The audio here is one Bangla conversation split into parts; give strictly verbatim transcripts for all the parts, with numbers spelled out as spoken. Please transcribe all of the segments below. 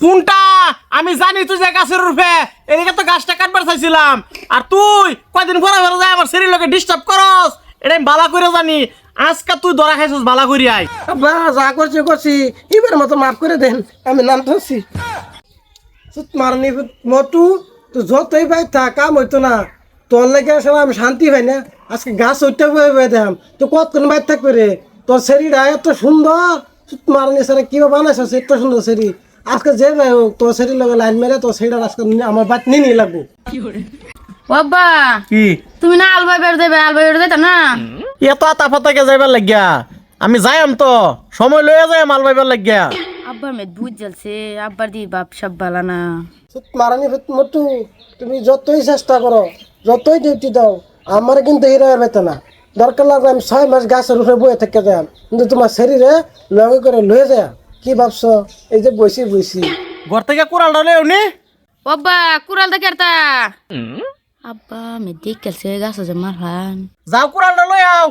কোনটা আমি জানি তুই যে গাছের রূপে এদিকে তো গাছটা কাটবার চাইছিলাম আর তুই কয়দিন ঘোরা ঘোরা যায় আমার শরীর লোকে ডিস্টার্ব করস এটা আমি বালা করে জানি আজকে তুই ধরা খাইছিস বালা করি আই আব্বা যা করছি করছি এবার মতো মাফ করে দেন আমি নাম ধরছি মারনি মটু তো যতই ভাই থাক কাম হইতো না তোর লেগে আসলে আমি শান্তি পাই না আজকে গাছ ওইটা বয়ে বয়ে দেম তো কতক্ষণ বাইর থাকবে রে তোর শরীরটা এত সুন্দর মারনি সারা কিভাবে বানাইছ এত সুন্দর শরীর আজকে যে ভাই হোক তোর শরীর লগে লাইন মেরে তোর শরীরটা আজকে আমার বাদ নিয়ে নিয়ে লাগবো বাবা কি তুমি না আলবাই বের দেবে আলবাই বের দেতা না এত আতা ফাতাকে যাইবার লাগিয়া আমি যাইম তো সময় লইয়া যাই মাল পাইবার লাগিয়া আব্বার মেয়ে বুঝ জ্বলছে আব্বার দি বাপ সব বালা না মারানি মটু তুমি যতই চেষ্টা করো যতই ডিউটি দাও আমার কিন্তু হিরো বেতে না দরকার লাগবে আমি ছয় মাস গাছের উপরে বয়ে থেকে যাই কিন্তু তোমার শরীরে লগে করে লয়ে যায় কি ভাবছো এই যে বসি বসি ঘর থেকে কুড়ালটা লই উনি বাবা কুড়াল দে কেরতা আব্বা মে দেখ কেলছে গাছ যে মারলাম যাও কুড়ালটা লই আও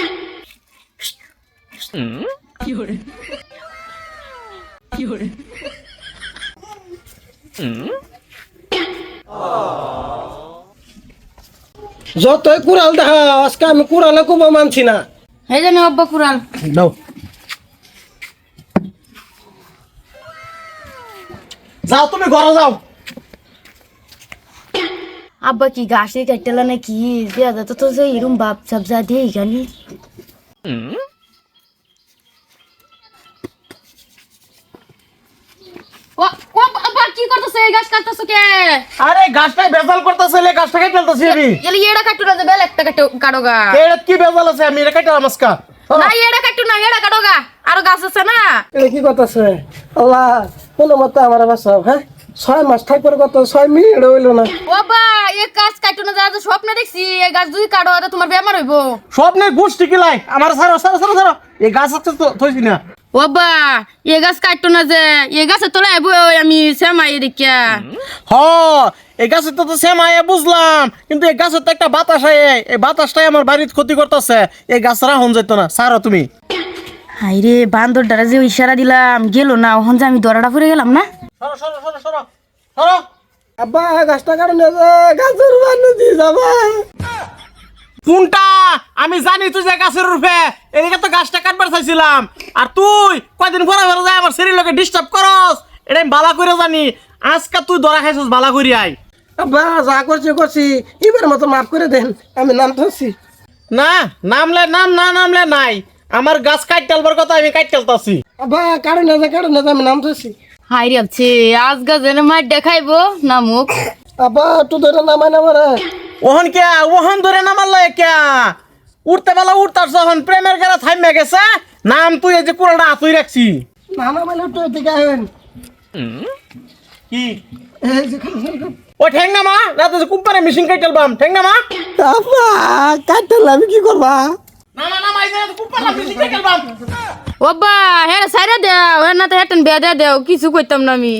যতই কুড়াল দেখা আজকে আমি কুড়ালে খুব মানছি না এই জানি আব্বা কুড়াল দাও যাও তুমি ঘরে যাও আব্বা কি গাছে কাটলা না কি দেয়া যা তো তো যে এরম বাপ সব যা দিয়ে গানি ও ও আব্বা কি করতেছ এই গাছ কাটতেছ কে আরে গাছটাই বেজাল করতেছে লে গাছটা কেটে ফেলতেছি আমি এলি এড়া কাটু না যে বেল একটা কাটো কাটোগা এর কি বেজাল আছে আমি এটা কেটে আমাস্কা না এড়া কাটু না এড়া কাটোগা আর গাছ আছে না এটা কি করতেছে আল্লাহ কোনো মতো আমার বাসাও হ্যাঁ ছয় মাস থাকবার কত ছয় মিনিট হইলো না বাবা এই গাছ কাটু না যা স্বপ্নে দেখছি এই গাছ যদি কাটো তো তোমার বেমার হইব স্বপ্নের গুষ্টি কিলাই আমার সারো সারো সারো সারো এই গাছ আছে তো থইছি না বাবা এই গাছ কাটতো না যে এই গাছের তলায় বই আমি শ্যামাই দেখিয়া হ এই গাছের তো তো সেম আয়া বুঝলাম কিন্তু এই গাছের তো একটা বাতাস আয় এই বাতাসটাই আমার বাড়ির ক্ষতি করতেছে এই গাছ রাখুন যেত না সারো তুমি হাই রে বান্দর দ্বারা যে ইশারা দিলাম গেল না ওখান যে আমি দরাটা পড়ে গেলাম না সরো সরো সরো সরো সরো আব্বা গাছটা কারণ গাছের বানু দিয়ে যাবা কোনটা আমি জানি তুই যে গাছের রূপে এদিকে তো গাছটা কাটবার চাইছিলাম আর তুই কয়দিন ঘোরা ঘোরা যায় আমার শরীর লোকে ডিস্টার্ব করস এটা আমি বালা করে জানি আজকে তুই ধরা খাইছিস বালা করি আই আব্বা যা করছি করছি এবার মতো মাফ করে দেন আমি নাম ধরছি না নামলে নাম না নামলে নাই আমার গাছ কাট তেলবার কথা আমি কাট তেলতাছি আব্বা কারণ না কারণ না আমি নাম ধরছি হাই রে আছে আজ গাছের মার দেখাইবো না মুখ আব্বা তুই ধরে নামাই না মারা ওহন কে ওহন ধরে নামাল কে উঠতে বেলা উঠতার যখন প্রেমের গেলা থাইমে গেছে নাম তুই এই যে পুরোটা আতুই রাখছি না নামাইলে তো এদিকে আহেন কি এই যে খান খান খান। ও ঠেং না মা রাতে যে কুম্পারে মেশিন কাইটেল বাম ঠেং না মা আব্বা কাটতে আমি কি করবা না না না মাই যে কুম্পারে মেশিন কাইটেল বাম বাবা হে সাইরা দেও হে না তো হেটেন বেদা দেও কিছু কইতাম না আমি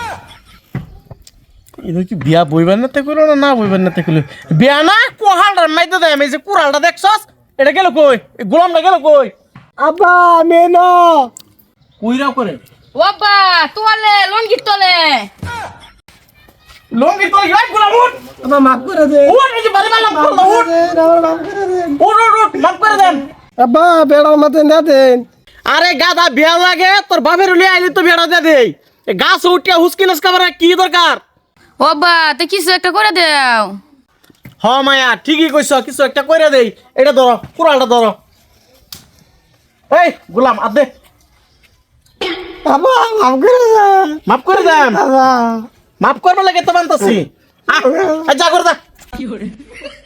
এটা কি বিয়া বইবার নাতে কইলো না না বইবার নাতে কইলো বিয়া না কোহালটার মাইতে দেয় আমি যে কুড়ালটা দেখছস এটা গেল কই এই গোলামটা গেল কই আব্বা মেন কইরা করে বাবা তোলে লঙ্গি তোলে লঙ্গি তো ইয়াই গোলাম উঠ আব্বা মাফ করে দে উঠ এই যে বাড়ি মারলাম করলো উঠ মাফ করে দে উঠ উঠ উঠ মাফ করে দেন আব্বা বেড়ার মতন না দেন আরে গাদা বিয়া লাগে তোর বাপের উলিয়ে আইলি তো বিয়াটা দে দেই এই গাছ উঠিয়া হুসকিনাস কাবার কি দরকার বাবা তো কিছু একটা করে দেও হ মায়া ঠিকই কইছ কিছু একটা কইরা দেই এটা ধরো কুড়ালটা ধরো এই গোলাম আদ দে আব্বা মাফ করে দে মাফ করে দেন আব্বা মাফ করবে লাগে তো বানতাছি আ যা করে যা